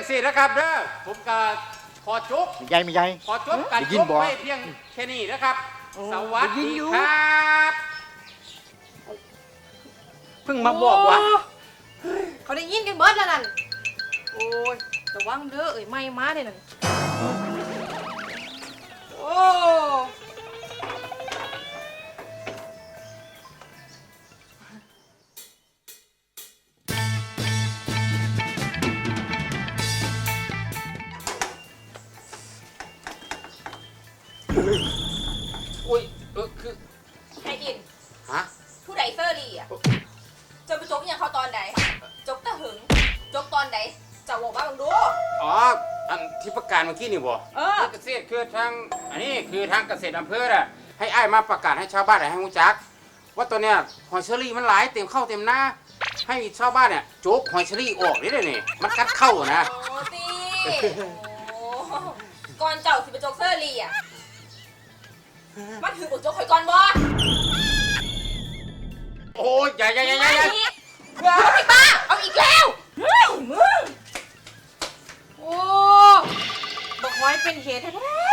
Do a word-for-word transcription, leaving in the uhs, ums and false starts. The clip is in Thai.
สินะครับเด้อผมก็ขอจุกมีใหญ่มีใหญ่ขอจบการได้ยิจนบบ่ไปเพียงแค่นี้นะครับ สวัสดีครับเพิ่งมาบอกว่าโอ้เขาได้ยินกันเบิดแล้วนั่นโอ้ยระวังเด้อเอ้ยไม่มาเนี่ยนั่นโอ้อุ้ยเออคือไอ้อินฮะผู้ใดเซอร์รี่อ่ะจะไปจกยังเขาตอนไหนจกตะหึงจกตอนไหนจะบอกว่ามึงดูอ๋ออันที่ประกาศเมื่อกี้นี่บ่เออเกษตรคือทางอันนี้คือทางเกษตรอำเภอน่ะให้อ้ายมาประกาศให้ชาวบ้านได้ให้รู้จัก ว่าตัวเนี้ยหอยเชอรี่มันหลายเต็มเข้าเต็มหน้า ให้ชาวบ้านเนี่ยโจกหอยเชอรี่ออกได้เลยนี่มันกัดเข้านะโอ้ตีโอ้ก่อนเจ้าสิไปจกเซอร์รี่อ่ะมันถือบุกจกข่อยก่อนบ่โอ้ยอย่าอย่าอย่าอย่าอย่าเอาอีกป้าเอาอีกแล้วเฮ้ยมึงโอ้บอกไว้เป็นเหตุแท้